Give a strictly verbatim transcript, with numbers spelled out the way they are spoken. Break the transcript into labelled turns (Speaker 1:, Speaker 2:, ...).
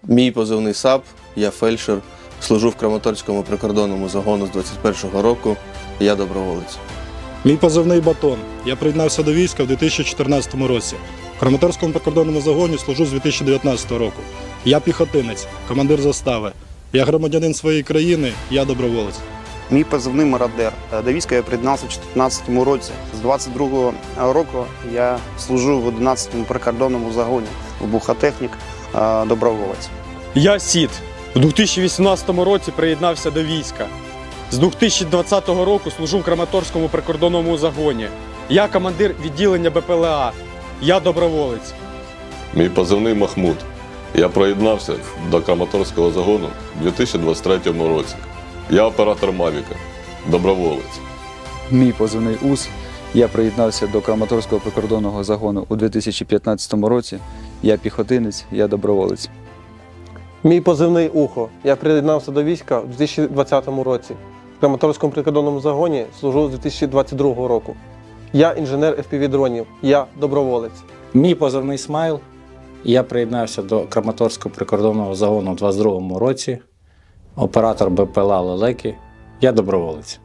Speaker 1: Мій позивний САП, я фельдшер, служу в Краматорському прикордонному загону з двадцять першого року, я доброволець.
Speaker 2: Мій позивний Батон. Я приєднався до війська в дві тисячі чотирнадцятому році. В Краматорському прикордонному загоні служу з дві тисячі дев'ятнадцятого року. Я піхотинець, командир застави. Я громадянин своєї країни, я доброволець.
Speaker 3: Мій позивний Мародер. До війська я приєднався в дві тисячі чотирнадцятому році. З двадцять другого року я служу в одинадцятому прикордонному загоні, вибухотехнік, доброволець.
Speaker 4: Я Сід. У дві тисячі вісімнадцятому році приєднався до війська. З дві тисячі двадцятого року служу в Краматорському прикордонному загоні. Я командир відділення Б П Л А. Я доброволець.
Speaker 5: Мій позивний Махмуд. Я приєднався до Краматорського загону у дві тисячі двадцять третьому році. Я оператор Мавіка, доброволець.
Speaker 6: Мій позивний УС. Я приєднався до Краматорського прикордонного загону у дві тисячі п'ятнадцятому році. Я піхотинець, я доброволець.
Speaker 7: Мій позивний Ухо. Я приєднався до війська у дві тисячі двадцятому році. В Краматорському прикордонному загоні служу з дві тисячі двадцять другого року. Я інженер еф пі ві дронів, я доброволець.
Speaker 8: Мій позивний Смайл. Я приєднався до Краматорського прикордонного загону у двадцять другому році. Оператор Б П Л А Лелеки. Я доброволець.